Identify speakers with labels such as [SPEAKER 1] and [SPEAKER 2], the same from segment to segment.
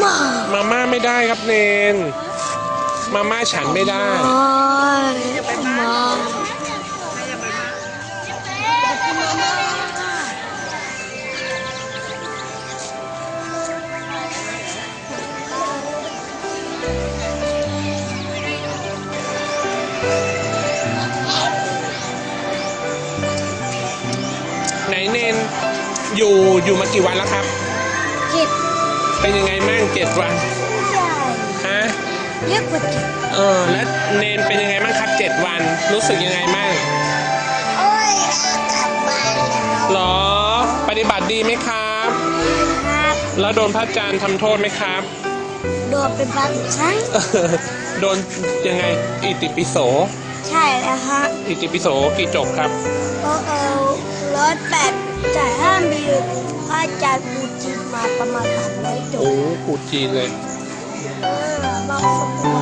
[SPEAKER 1] มาม่าไม่ได้ครับเนนมาม่าฉันไม่ได้ไหนเนนอยู่มากี่วันแล้วครับ7เป็นยังไงมั่ง7 วันฮะ
[SPEAKER 2] เยอะกว่า7
[SPEAKER 1] แล้วเนนเป็นยังไงมั่งครับ7 วันรู้สึกยังไงมั่ง
[SPEAKER 2] โอ้ยกลับบ้านแล้ว
[SPEAKER 1] หรอปฏิบัติดีไหมครับแล้วโดนพระอาจารย์ทำโทษไหมครับ
[SPEAKER 2] โดนเป็นบางครั้ง
[SPEAKER 1] โดนยังไงอิติปิโส
[SPEAKER 2] ใช่แล้วฮะ
[SPEAKER 1] อิติปิโสกี่จบครับ
[SPEAKER 2] 108แต่ห้ามมีพระอาจารย์ปูจีนมาประมาณ300 จบ
[SPEAKER 1] โอ้ปูจีนเลย
[SPEAKER 2] บางคนบอก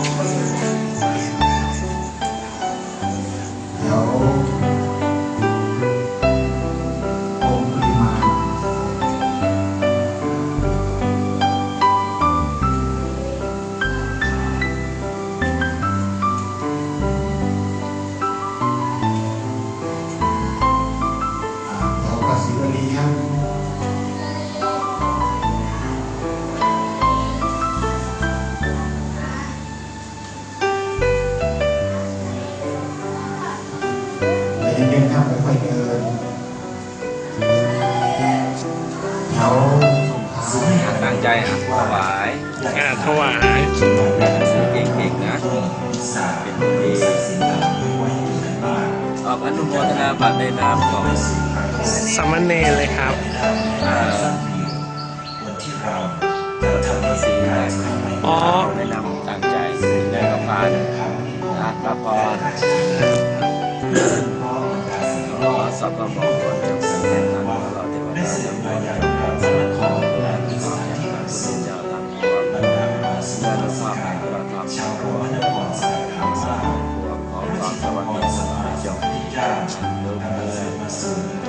[SPEAKER 3] เย็นๆครับค่อยๆเดินเขา
[SPEAKER 4] ตั้งใจถวาย
[SPEAKER 1] ถวาย
[SPEAKER 4] เก่งๆนะเป็นคนดีออกอนุโมทนาบัตรในนามของ
[SPEAKER 1] สามเณรเลยครับ
[SPEAKER 4] สีในนามตั้งใจได้กับพานรับพรสัพพะมงคลจงเป็นแก่ท่านเราเทวดาทั้งหลายขอและพระพุทธเจ้าทั้งปวงและพระแห่งพระธรรมทั้งปวงขอความสวัสดีจงมีแด่ทุกท่าน